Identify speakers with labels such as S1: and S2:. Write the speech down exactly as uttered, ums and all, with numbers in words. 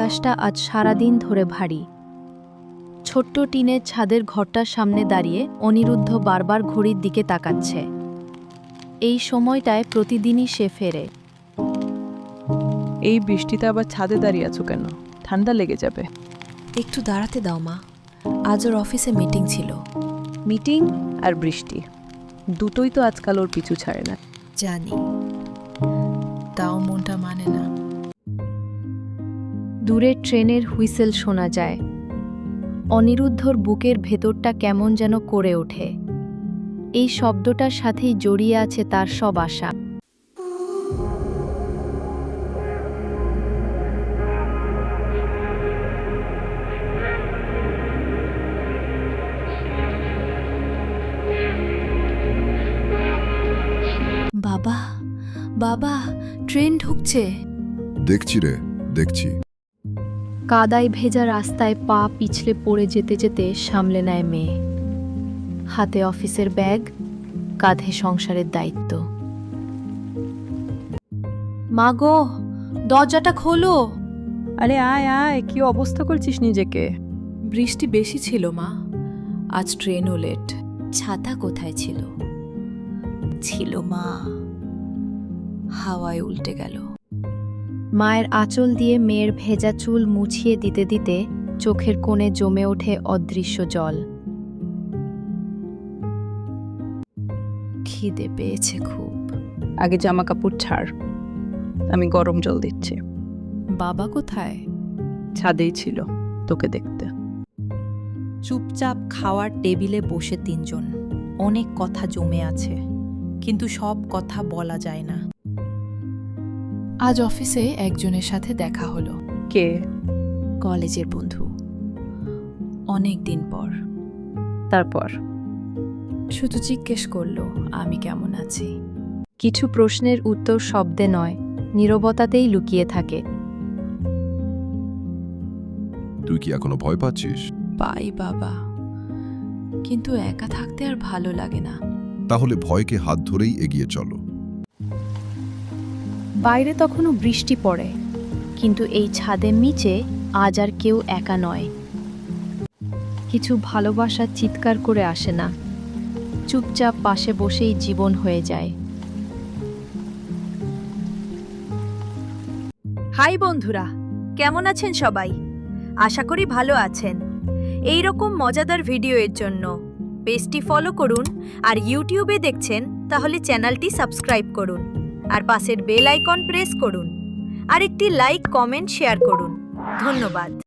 S1: আকাশটা আজ সারাদিন ধরে ভারী। ছোট্ট টিনের ছাদের ঘরটার সামনে দাঁড়িয়ে অনিরুদ্ধ বারবার ঘড়ির দিকে তাকাচ্ছে। এই সময়টায় প্রতিদিনই সে ফেরে।
S2: এই বৃষ্টিতে আবার ছাদে দাঁড়িয়ে আছো কেন? ঠান্ডা লেগে যাবে।
S3: একটু দাঁড়াতে দাও মা, আজ ওর অফিসে মিটিং ছিল।
S2: মিটিং আর বৃষ্টি দুটোই তো আজকাল ওর পিছু ছাড়ে না।
S3: জানি, তাও মনটা মানে না।
S1: দূরে ট্রেনের হুইসেল শোনা যায়। অনিরুদ্ধর বুকের ভেতরটা কেমন যেন করে ওঠে। এই শব্দটার সাথেই জড়িয়ে আছে তার সব আশা।
S3: বাবা, বাবা, ট্রেন ঢুকছে।
S4: দেখছি রে, দেখছি।
S1: কাদায় ভেজা রাস্তায় পা পিছলে পড়ে যেতে যেতে সামলে নেয় মেয়ে। হাতে অফিসের ব্যাগ, কাঁধে সংসারের দায়িত্ব। মা গো, দরজাটা খোলো।
S2: আরে আয় আয়, কি অবস্থা করছিস নিজেকে?
S3: বৃষ্টি বেশি ছিল মা, আজ ট্রেনও লেট। ছাতা কোথায় ছিল? ছিল মা, হাওয়ায় উল্টে গেল।
S1: মায়ের আঁচল দিয়ে মেয়ের ভেজা চুল মুছিয়ে দিতে দিতে চোখের কোণে জমে ওঠে অদৃশ্য জল।
S3: খিদে পেয়েছে খুব।
S2: আগে জামা কাপড় ছাড়, আমি গরম জল দিচ্ছি।
S3: বাবা কোথায়?
S2: ছাদেই ছিল তোকে দেখতে।
S5: চুপচাপ খাওয়ার টেবিলে বসে তিনজন। অনেক কথা জমে আছে, কিন্তু সব কথা বলা যায় না।
S3: আজ অফিসে একজনের সাথে দেখা হলো।
S2: কে?
S3: কলেজের বন্ধু, অনেক দিন পর।
S2: তারপর?
S3: শুধু জিজ্ঞেস করলো আমি কেমন আছি।
S1: কিছু প্রশ্নের উত্তর শব্দে নয়, নীরবতাতেই লুকিয়ে থাকে।
S4: তুই কি এখনো ভয় পাচ্ছিস?
S3: পাই বাবা, কিন্তু একা থাকতে আর ভালো লাগে না।
S4: তাহলে ভয়কে হাত ধরেই এগিয়ে চলো।
S1: বাইরে তখনও বৃষ্টি পড়ে, কিন্তু এই ছাদের নিচে আজ আর কেউ একা নয়। কিছু ভালোবাসা চিৎকার করে আসে না, চুপচাপ পাশে বসেই জীবন হয়ে যায়।
S6: হাই বন্ধুরা, কেমন আছেন সবাই? আশা করি ভালো আছেন। এই রকম মজাদার ভিডিওর জন্য পেজটি ফলো করুন, আর ইউটিউবে দেখছেন তাহলে চ্যানেলটি সাবস্ক্রাইব করুন, আর পাশের বেল আইকন প্রেস করুন, আর একটি লাইক, কমেন্ট, শেয়ার করুন। ধন্যবাদ।